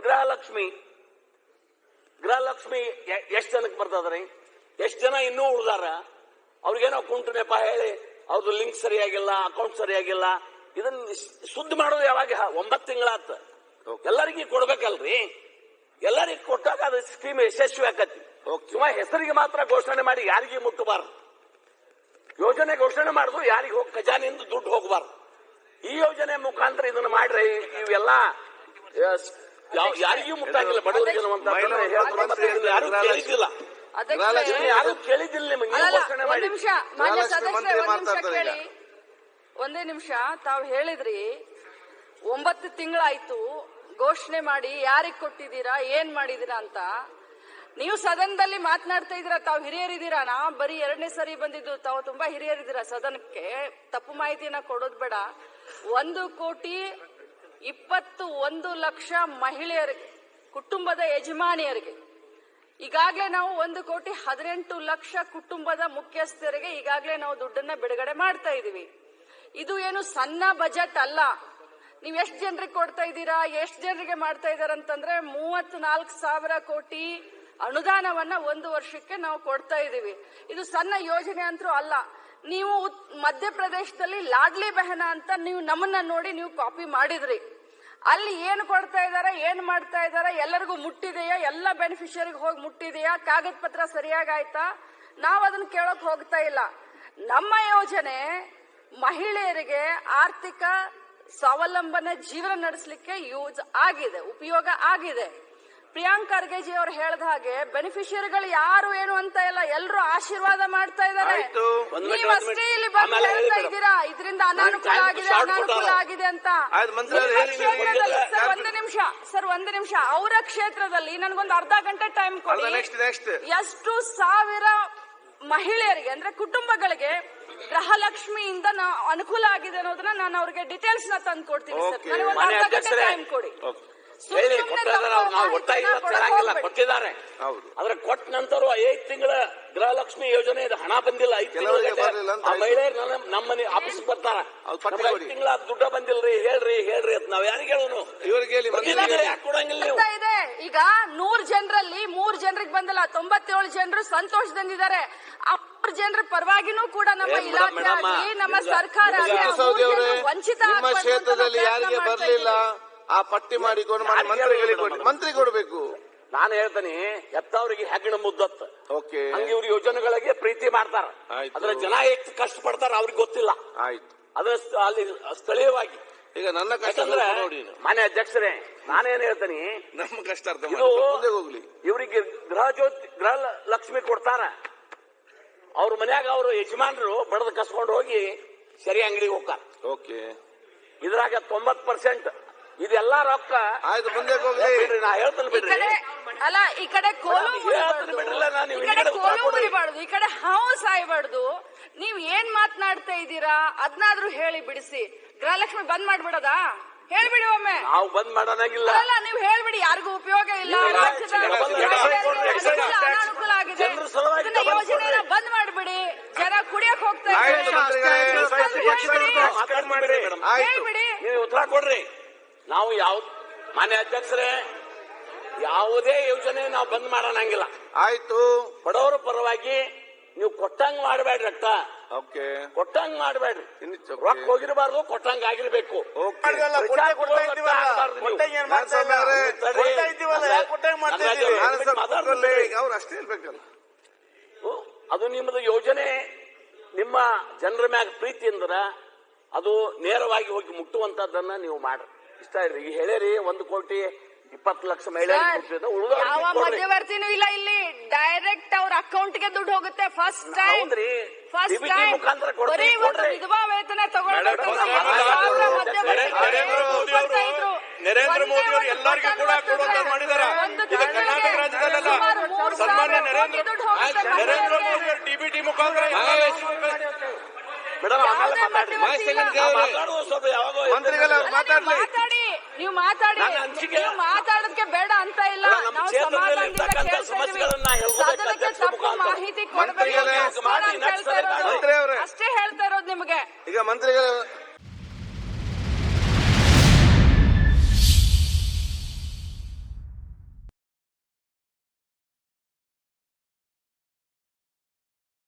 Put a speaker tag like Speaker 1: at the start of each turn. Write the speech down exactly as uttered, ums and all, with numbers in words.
Speaker 1: ಗೃಹಲಕ್ಷ್ಮಿ ಗೃಹಲಕ್ಷ್ಮಿ ಎಷ್ಟು ಜನಕ್ಕೆ ಬರ್ತದ್ರಿ? ಎಷ್ಟು ಜನ ಇನ್ನೂ ಉಳಿದಾರ? ಅವ್ರಿಗೇನೋ ಕುಂಟು ನೆಪ ಹೇಳಿ ಅವ್ರದ್ದು ಲಿಂಕ್ ಸರಿಯಾಗಿಲ್ಲ, ಅಕೌಂಟ್ ಸರಿಯಾಗಿಲ್ಲ, ಇದನ್ನ ಸುದ್ದಿ ಮಾಡೋದು ಯಾವಾಗ? ಒಂಬತ್ತು ತಿಂಗಳಾತ. ಎಲ್ಲರಿಗೂ ಕೊಡ್ಬೇಕಲ್ರಿ. ಎಲ್ಲರಿಗೂ ಕೊಟ್ಟಾಗ ಅದು ಸ್ಕೀಮ್ ಯಶಸ್ವಿ ಆಕತಿ. ಸುಮ್ಮ ಹೆಸರಿಗೆ ಮಾತ್ರ ಘೋಷಣೆ ಮಾಡಿ ಯಾರಿಗೂ ಮುಟ್ಟಬಾರ್ದು. ಯೋಜನೆ ಘೋಷಣೆ ಮಾಡಿದ್ರು ಯಾರಿಗೆ ಹೋಗಿ ಖಜಾನೆಯಿಂದ ದುಡ್ಡು ಹೋಗಬಾರ್ದು. ಈ ಯೋಜನೆ ಮುಖಾಂತರ ಇದನ್ನ ಮಾಡ್ರಿ. ಇವೆಲ್ಲ ಯಾರಿಗೂ ಮುಟ್ಟಾಗಿಲ್ಲ, ಬಡವರಿಗೆ ಯಾರು ಕೇಳಿದ್ದಿಲ್ಲ, ಯಾರು ಕೇಳಿದ್ದಿಲ್ಲ. ನಿಮಗೆ ಘೋಷಣೆ ಮಾಡಿ
Speaker 2: ಒಂದೇ ನಿಮಿಷ. ತಾವು ಹೇಳಿದ್ರಿ ಒಂಬತ್ತು ತಿಂಗಳಾಯ್ತು ಘೋಷಣೆ ಮಾಡಿ, ಯಾರಿಗೆ ಕೊಟ್ಟಿದ್ದೀರಾ, ಏನ್ ಮಾಡಿದೀರಾ ಅಂತ. ನೀವು ಸದನದಲ್ಲಿ ಮಾತನಾಡ್ತಾ ಇದ್ದೀರಾ, ತಾವು ಹಿರಿಯರಿದ್ದೀರಾ. ನಾ ಬರೀ ಎರಡನೇ ಸರಿ ಬಂದಿದ್ದು, ತಾವು ತುಂಬಾ ಹಿರಿಯರಿದ್ದೀರಾ ಸದನಕ್ಕೆ. ತಪ್ಪು ಮಾಹಿತಿಯನ್ನ ಕೊಡೋದು ಬೇಡ. ಒಂದು ಕೋಟಿ ಇಪ್ಪತ್ತು ಒಂದು ಲಕ್ಷ ಮಹಿಳೆಯರಿಗೆ, ಕುಟುಂಬದ ಯಜಮಾನಿಯರಿಗೆ ಈಗಾಗಲೇ ನಾವು ಒಂದು ಕೋಟಿ ಹದಿನೆಂಟು ಲಕ್ಷ ಕುಟುಂಬದ ಮುಖ್ಯಸ್ಥರಿಗೆ ಈಗಾಗಲೇ ನಾವು ದುಡ್ಡನ್ನ ಬಿಡುಗಡೆ ಮಾಡ್ತಾ ಇದೀವಿ. ಇದು ಏನು ಸಣ್ಣ ಬಜೆಟ್ ಅಲ್ಲ. ನೀವ್ ಎಷ್ಟು ಜನರಿಗೆ ಕೊಡ್ತಾ ಇದ್ದೀರಾ, ಎಷ್ಟು ಜನರಿಗೆ ಮಾಡ್ತಾ ಇದಾರೆ ಅಂತಂದ್ರೆ ಮೂವತ್ ನಾಲ್ಕು ಸಾವಿರ ಕೋಟಿ ಅನುದಾನವನ್ನ ಒಂದು ವರ್ಷಕ್ಕೆ ನಾವು ಕೊಡ್ತಾ ಇದೀವಿ. ಇದು ಸಣ್ಣ ಯೋಜನೆ ಅಂತೂ ಅಲ್ಲ. ನೀವು ಮಧ್ಯಪ್ರದೇಶದಲ್ಲಿ ಲಾಡ್ಲಿ ಬೆಹನ ಅಂತ ನೀವು ನಮ್ಮನ್ನ ನೋಡಿ ನೀವು ಕಾಪಿ ಮಾಡಿದ್ರಿ. ಅಲ್ಲಿ ಏನು ಕೊಡ್ತಾ ಇದಾರೆ, ಏನ್ ಮಾಡ್ತಾ ಇದಾರೆ, ಎಲ್ಲರಿಗೂ ಮುಟ್ಟಿದೆಯಾ, ಎಲ್ಲ ಬೆನಿಫಿಷಿಯರಿಗೆ ಹೋಗಿ ಮುಟ್ಟಿದೆಯಾ, ಕಾಗದ ಪತ್ರ ಸರಿಯಾಗಿ ಆಯ್ತಾ? ನಾವು ಅದನ್ನ ಕೇಳಕ್ ಹೋಗ್ತಾ ಇಲ್ಲ. ನಮ್ಮ ಯೋಜನೆ ಮಹಿಳೆಯರಿಗೆ ಆರ್ಥಿಕ ಸ್ವಾವಲಂಬನೆ ಜೀವನ ನಡೆಸಲಿಕ್ಕೆ ಯೂಸ್ ಆಗಿದೆ, ಉಪಯೋಗ ಆಗಿದೆ. ಪ್ರಿಯಾಂಕ್ ಖರ್ಗೆಜಿ ಅವರು ಹೇಳಿದ ಹಾಗೆ ಬೆನಿಫಿಷಿಯರಿಗಳು ಯಾರು ಏನು ಅಂತ ಇಲ್ಲ, ಎಲ್ಲರೂ ಆಶೀರ್ವಾದ ಮಾಡ್ತಾ ಇದ್ದಾರೆ. ನೀವಷ್ಟೇ ಇಲ್ಲಿ ಬಂದು ಹೇಳ್ತಾ ಇದ್ದೀರಾ ಇದರಿಂದ ಅನಾನುಕೂಲ ಆಗಿದೆ, ಅನಾನುಕೂಲ ಆಗಿದೆ ಅಂತ. ಸರ್ ಒಂದು ನಿಮಿಷ ಸರ್ ಒಂದು ನಿಮಿಷ ಅವರ ಕ್ಷೇತ್ರದಲ್ಲಿ ನನಗೊಂದು ಅರ್ಧ ಗಂಟೆ ಟೈಮ್ ಕೊಡಿ. ಎಷ್ಟು ಸಾವಿರ ಮಹಿಳೆಯರಿಗೆ ಅಂದ್ರೆ ಕುಟುಂಬಗಳಿಗೆ ಗೃಹಲಕ್ಷ್ಮಿಯಿಂದ ಅನುಕೂಲ ಆಗಿದೆ ಅನ್ನೋದನ್ನ ನಾನು ಅವ್ರಿಗೆ ಡೀಟೇಲ್ಸ್ ನ ತಂದು ಕೊಡ್ತೀನಿ ಸರ್. ನನಗೊಂದು ಅರ್ಧ ಗಂಟೆ ಟೈಮ್ ಕೊಡಿ.
Speaker 1: ಹೇಳಿ ನಾವು ಒತ್ತಾಗಿಲ್ಲ, ತರಂಗಿಲ್ಲ, ಕೊಟ್ಟಿದ್ದಾರೆ. ಆದ್ರೆ ಕೊಟ್ಟ ನಂತರ ಐದು ತಿಂಗಳ ಗೃಹಲಕ್ಷ್ಮಿ ಯೋಜನೆ ಹಣ ಬಂದಿಲ್ಲ. ಐದು ತಿಂಗಳ ಮಹಿಳೆಯರು ನಮ್ಮನೆ ಆಫೀಸ್ ಬರ್ತಾರ, ಐದು ತಿಂಗಳ ದುಡ್ಡ ಬಂದಿಲ್ರಿ, ಹೇಳ್ರಿ ಹೇಳ್ರಿ ಅಂತ ನಾವ್ ಯಾರಿಗೆ ಹೇಳೋನು? ಇವ್ರಿಗೆ ಯಾಕೆ ಕೊಡಂಗಿಲ್ಲ ನೀವು?
Speaker 2: ಇದೆ ಈಗ ನೂರ್ ಜನರಲ್ಲಿ ಮೂರ್ ಜನರಿಗೆ ಬಂದಿಲ್ಲ, ತೊಂಬತ್ತೇಳು ಜನರು ಸಂತೋಷದಿಂದಿದ್ದಾರೆ. ಆ ಮೂರ್ ಜನರ ಪರವಾಗಿನೂ ಕೂಡ ನಮ್ಮ ಇಲಾಖೆ ಆಗಲಿ ನಮ್ಮ ಸರ್ಕಾರ ವಂಚಿತ
Speaker 3: ಕ್ಷೇತ್ರದಲ್ಲಿ ಯಾರಿಗೆ ಬರಲಿಲ್ಲ ಆ ಪಟ್ಟಿ ಮಾಡಿಕೊಂಡು ಮಂತ್ರಿಗಳಿಗೆ ಮಂತ್ರಿ ಕೊಡಬೇಕು.
Speaker 1: ನಾನು ಹೇಳ್ತೇನೆ, ಎತ್ತವ್ರಿಗೆ ಹೆಗ್ಗಣ ಮುದ್ದತ್ತ. ಹಂಗೆ ಇವ್ರ ಯೋಜನೆಗಳಿಗೆ ಪ್ರೀತಿ ಮಾಡ್ತಾರ, ಅದ್ರ ಜನ ಎಷ್ಟು ಕಷ್ಟ ಪಡ್ತಾರ ಅವ್ರಿಗೆ ಗೊತ್ತಿಲ್ಲ.
Speaker 3: ಆಯ್ತು,
Speaker 1: ಅದ್ರ ಅಲ್ಲಿ ಸ್ಥಳೀಯವಾಗಿ
Speaker 3: ಈಗ ನನ್ನ ಕಷ್ಟ ನೋಡಿ
Speaker 1: ಮಾನ್ಯ ಅಧ್ಯಕ್ಷರೇ, ನಾನೇನ್ ಹೇಳ್ತೇನೆ,
Speaker 3: ನಮ್ಮ ಕಷ್ಟ ಅರ್ಥ
Speaker 1: ಹೋಗ್ಲಿ. ಇವರಿಗೆ ಗೃಹ ಜ್ಯೋತಿ ಗೃಹ ಲಕ್ಷ್ಮಿ ಕೊಡ್ತಾರ, ಅವ್ರ ಮನ್ಯಾಗ ಅವ್ರ ಯಜಮಾನರು ಬಡದ ಕಸ್ಕೊಂಡು ಹೋಗಿ ಸರಿ ಅಂಗಡಿಗೆ ಹೋಗ್ತಾರ.
Speaker 3: ಓಕೆ,
Speaker 2: ಇದ್ರಾಗ
Speaker 1: ತೊಂಬತ್ ಪರ್ಸೆಂಟ್ ಇದೆಲ್ಲ ರೊಕ್ಕ.
Speaker 3: ಆಯ್ತು, ಮುಂದೆ ಹೋಗ್ಲಿ.
Speaker 1: ನಾ ಹೇಳ್ತೇನೆ ಬಿಡ್ರಿ.
Speaker 2: ಅಲ್ಲ, ಈ ಕಡೆ ಕೋಲು ಮುರಿಬಾರ್ದು, ಈ ಕಡೆ ಹಾವು ಸಾಯ್ಬಾರ್ದು. ನೀವ್ ಏನ್ ಮಾತನಾಡ್ತಾ ಇದ್ದೀರಾ ಅದ್ನಾದ್ರೂ ಹೇಳಿ ಬಿಡಿಸಿ. ಗೃಹಲಕ್ಷ್ಮಿ ಬಂದ್ ಮಾಡ್ಬಿಡೋದಾ? ಹೇಳ್ಬಿಡಿ ಒಮ್ಮೆ.
Speaker 1: ನಾವು ಬಂದ್ ಮಾಡೋಣಾಗಿಲ್ಲ.
Speaker 2: ಅಲ್ಲ, ನೀವು ಹೇಳ್ಬಿಡಿ, ಯಾರಿಗೂ ಉಪಯೋಗ ಇಲ್ಲ, ಅನಾನುಕೂಲ ಆಗಿದೆ, ಯೋಜನೆ ಬಂದ್ ಮಾಡ್ಬಿಡಿ. ಜನ ಕುಡಿಯಕ್ ಹೋಗ್ತಾ ಹೇಳ್ಬಿಡಿ.
Speaker 1: ನೀವು ಉತ್ತರ ಕೊಡ್ರಿ. ನಾವು ಯಾವ ಮಾನ್ಯ ಅಧ್ಯಕ್ಷರೇ, ಯಾವುದೇ ಯೋಜನೆ ನಾವು ಬಂದ್ ಮಾಡೋಣಂಗಿಲ್ಲ.
Speaker 3: ಆಯ್ತು,
Speaker 1: ಬಡವರ ಪರವಾಗಿ ನೀವು ಕೊಟ್ಟಂಗ್ ಮಾಡಬೇಡ್ರಿ. ರಕ್ತ ಕೊಟ್ಟಂಗ್ ಮಾಡಬೇಡ್ರಿ. ರೊಕ್ಕ ಹೋಗಿರಬಾರ್ದು, ಕೊಟ್ಟಂಗ್ ಆಗಿರ್ಬೇಕು.
Speaker 3: ಅವ್ರು ಅಷ್ಟೇ ಹೇಳ್ಬೇಕಲ್ಲ.
Speaker 1: ಅದು ನಿಮ್ಮದು ಯೋಜನೆ, ನಿಮ್ಮ ಜನರ ಮ್ಯಾಗ ಪ್ರೀತಿ ಅಂದ್ರ ಅದು ನೇರವಾಗಿ ಹೋಗಿ ಮುಟ್ಟುವಂತದ್ದನ್ನ ನೀವು ಮಾಡ್ರಿ. ಇಷ್ಟ ಇಲ್ರಿ, ಈಗ ಹೇಳಿರಿ ಒಂದು ಕೋಟಿ ಇಪ್ಪತ್ತು ಲಕ್ಷ ಮಹಿಳೆಯರಿಗೆ
Speaker 2: ಯಾವ ಮಧ್ಯವರ್ತಿನೂ ಇಲ್ಲ ಇಲ್ಲಿ. ಡೈರೆಕ್ಟ್ ಅವ್ರ ಅಕೌಂಟ್ಗೆ ದುಡ್ಡು ಹೋಗುತ್ತೆ. ಫಸ್ಟ್ ಟೈಮ್ ಫಸ್ಟ್ ಟೈಮ್ ಬರೀ ಒಂದು ವಿಧವಾ ವೇತನ ತಗೊಳ್ಬೇಕು.
Speaker 4: ನರೇಂದ್ರ ಮೋದಿ ಅವರು ಎಲ್ಲರಿಗೂ ಕೂಡ ಕೊಡುವಂತ ಮಾಡಿದಾರ. ಇದು ಕರ್ನಾಟಕ ರಾಜ್ಯದಲ್ಲ, ಸನ್ಮಾನ್ಯ ನರೇಂದ್ರ ನರೇಂದ್ರ ಮೋದಿ ಅವರು ಡಿಬಿಟಿ ಮುಖಾಂತರ
Speaker 1: ಮೇಡಮ್
Speaker 2: ಮಾತಾಡಿ, ನೀವು ಮಾತಾಡಿ, ನೀವು ಮಾತಾಡೋದಕ್ಕೆ ಬೇಡ ಅಂತ ಇಲ್ಲ. ನಾವು ಸದನಕ್ಕೆ ತಪ್ಪು ಮಾಹಿತಿ ಕೊಡಬೇಕು ಅಷ್ಟೇ ಹೇಳ್ತಾ ಇರೋದು ನಿಮಗೆ.
Speaker 3: ಈಗ ಮಂತ್ರಿಗಳ